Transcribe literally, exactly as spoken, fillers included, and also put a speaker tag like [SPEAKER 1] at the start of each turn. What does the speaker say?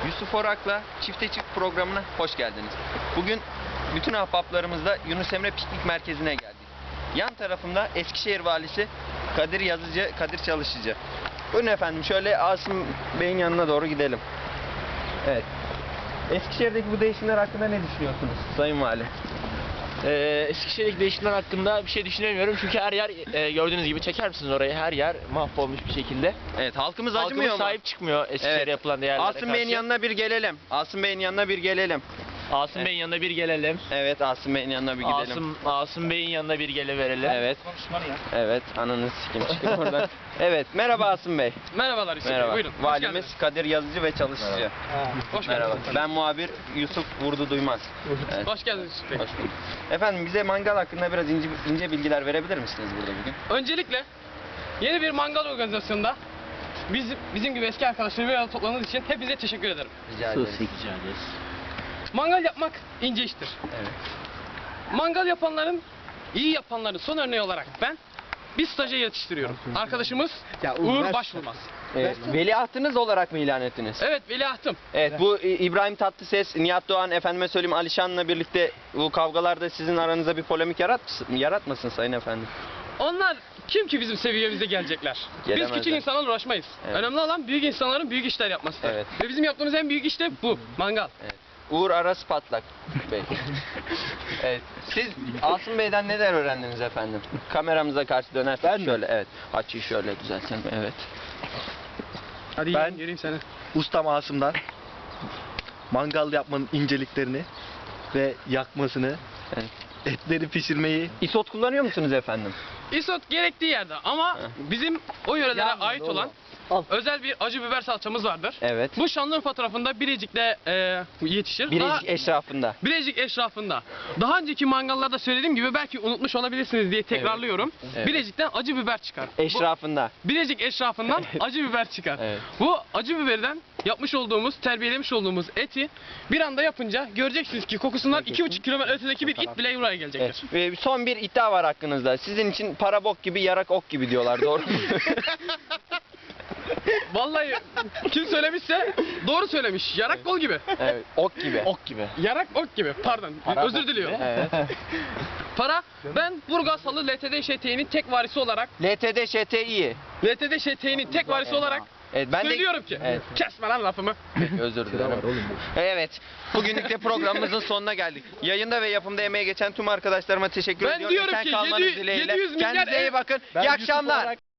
[SPEAKER 1] Yusuf Orak'la Çifte Çift programına hoş geldiniz. Bugün bütün ahbaplarımızla Yunus Emre Piknik Merkezi'ne geldik. Yan tarafımda Eskişehir Valisi Kadir Yazıcı, Kadir Çalışıcı. Buyurun efendim, şöyle Asım Bey'in yanına doğru gidelim. Evet. Eskişehir'deki bu değişimler hakkında ne düşünüyorsunuz Sayın Vali?
[SPEAKER 2] Ee, Eskişehir'deki değişimler hakkında bir şey düşünemiyorum çünkü her yer e, gördüğünüz gibi, çeker misiniz orayı, her yer mahvolmuş bir şekilde.
[SPEAKER 1] Evet, halkımız acımıyor
[SPEAKER 2] Halkımız
[SPEAKER 1] mu?
[SPEAKER 2] sahip çıkmıyor Eskişehir'e
[SPEAKER 1] Evet.
[SPEAKER 2] yapılan değerlere
[SPEAKER 1] Asım
[SPEAKER 2] karşı.
[SPEAKER 1] Bey'in yanına bir gelelim. Asım Bey'in yanına bir gelelim.
[SPEAKER 2] Asım
[SPEAKER 1] Evet.
[SPEAKER 2] Bey'in yanına bir gelelim.
[SPEAKER 1] Evet, Asım Bey'in yanına bir gidelim.
[SPEAKER 2] Asım, Asım Bey'in yanına bir geleverelim.
[SPEAKER 1] Evet. Evet, ananı sikim çıkın oradan. Evet, merhaba Asım Bey.
[SPEAKER 3] Merhabalar Yusuf Bey,
[SPEAKER 1] Merhaba.
[SPEAKER 3] buyurun. Hoş
[SPEAKER 1] Valimiz
[SPEAKER 3] geldiniz.
[SPEAKER 1] Kadir Yazıcı ve Çalışıcı.
[SPEAKER 3] Hoş
[SPEAKER 1] Merhaba.
[SPEAKER 3] geldiniz.
[SPEAKER 1] Ben muhabir Yusuf Vurdu Duymaz. Evet.
[SPEAKER 3] Hoş geldiniz Yusuf Bey.
[SPEAKER 1] Hoş bulduk. Efendim, bize mangal hakkında biraz ince, ince bilgiler verebilir misiniz burada bugün?
[SPEAKER 3] Öncelikle yeni bir mangal organizasyonunda biz, bizim gibi eski arkadaşlarım bir arada topladığınız için hepinize teşekkür ederim.
[SPEAKER 1] Rica ederiz.
[SPEAKER 2] Rica ederiz.
[SPEAKER 3] Mangal yapmak ince iştir.
[SPEAKER 1] Evet.
[SPEAKER 3] Mangal yapanların, iyi yapanların son örneği olarak ben bir stajyer yetiştiriyorum. Arkadaşımız Uğur Başvurmaz.
[SPEAKER 1] Evet, veliahtınız olarak mı ilan ettiniz?
[SPEAKER 3] Evet, veliahtım.
[SPEAKER 1] Evet, bu İ- İbrahim Tatlıses, Nihat Doğan, efendime söyleyeyim Alişan'la birlikte bu kavgalarda sizin aranızda bir polemik yaratmasın, yaratmasın sayın efendim.
[SPEAKER 3] Onlar kim ki bizim seviyemize gelecekler?
[SPEAKER 1] Gelemezler.
[SPEAKER 3] Biz küçük insanlarla uğraşmayız.
[SPEAKER 1] Evet.
[SPEAKER 3] Önemli olan büyük insanların büyük işler yapmasıdır.
[SPEAKER 1] Evet.
[SPEAKER 3] Ve bizim yaptığımız en büyük iş de bu, mangal.
[SPEAKER 1] Evet. Uğur Aras Patlak Bey. Evet. Siz Asım Bey'den neler öğrendiniz efendim? Kameramıza karşı dönersek
[SPEAKER 4] Ben mi?
[SPEAKER 1] şöyle, evet. Açıyı şöyle düzeltelim, evet.
[SPEAKER 3] Hadi
[SPEAKER 4] Ben-
[SPEAKER 3] ben geleyim seni.
[SPEAKER 4] Ustam Asım'dan mangal yapmanın inceliklerini ve yakmasını,
[SPEAKER 1] Evet.
[SPEAKER 4] etleri pişirmeyi.
[SPEAKER 1] İsot kullanıyor musunuz efendim?
[SPEAKER 3] Isot gerektiği yerde ama bizim o yörelere
[SPEAKER 4] Ya,
[SPEAKER 3] ait
[SPEAKER 4] doğru.
[SPEAKER 3] olan
[SPEAKER 4] Al.
[SPEAKER 3] özel bir acı biber salçamız vardır.
[SPEAKER 1] Evet.
[SPEAKER 3] Bu Şanlıurfa tarafında Bilecik'te e, yetişir. Daha-
[SPEAKER 1] Birecik eşrafında.
[SPEAKER 3] Bilecik eşrafında. Daha önceki mangallarda söylediğim gibi belki unutmuş olabilirsiniz diye tekrarlıyorum.
[SPEAKER 1] Evet.
[SPEAKER 3] Bilecik'ten acı biber çıkar. Bu,
[SPEAKER 1] Eşrafında.
[SPEAKER 3] Bilecik eşrafından acı biber çıkar.
[SPEAKER 1] Evet.
[SPEAKER 3] Bu acı biberden yapmış olduğumuz, terbiyelemiş olduğumuz eti bir anda yapınca göreceksiniz ki kokusundan iki buçuk kilometre ötedeki bir it bile buraya gelecektir.
[SPEAKER 1] Evet. Ve son bir iddia var hakkınızda. Sizin için para bok gibi, yarak ok gibi diyorlar, doğru mu?
[SPEAKER 3] Vallahi kim söylemişse doğru söylemiş. Yarak kol gibi.
[SPEAKER 1] Evet, ok gibi.
[SPEAKER 4] Ok gibi.
[SPEAKER 3] Yarak ok gibi. Pardon. Özür diliyorum.
[SPEAKER 1] Evet.
[SPEAKER 3] Para. Ben Burgaz Halı L T D Ş T'nin tek varisi olarak
[SPEAKER 1] L T D Ş T İ.
[SPEAKER 3] L T D Ş T'nin tek varisi olarak
[SPEAKER 1] Evet, ben
[SPEAKER 3] söylüyorum
[SPEAKER 1] de...
[SPEAKER 3] ki.
[SPEAKER 1] Evet.
[SPEAKER 3] Kesme lan lafımı.
[SPEAKER 1] Peki, özür dilerim. Evet, bugünlük de programımızın sonuna geldik. Yayında ve yapımda emeği geçen tüm arkadaşlarıma teşekkür
[SPEAKER 3] Ben
[SPEAKER 1] ediyorum.
[SPEAKER 3] diyorum
[SPEAKER 1] Esen
[SPEAKER 3] ki
[SPEAKER 1] kalmanız
[SPEAKER 3] yedi-
[SPEAKER 1] dileğiyle.
[SPEAKER 3] yedi yüz milyar
[SPEAKER 1] Kendinize iyi
[SPEAKER 3] ev-
[SPEAKER 1] bakın.
[SPEAKER 4] Ben
[SPEAKER 1] İyi
[SPEAKER 4] Yusuf
[SPEAKER 1] akşamlar.
[SPEAKER 4] olarak-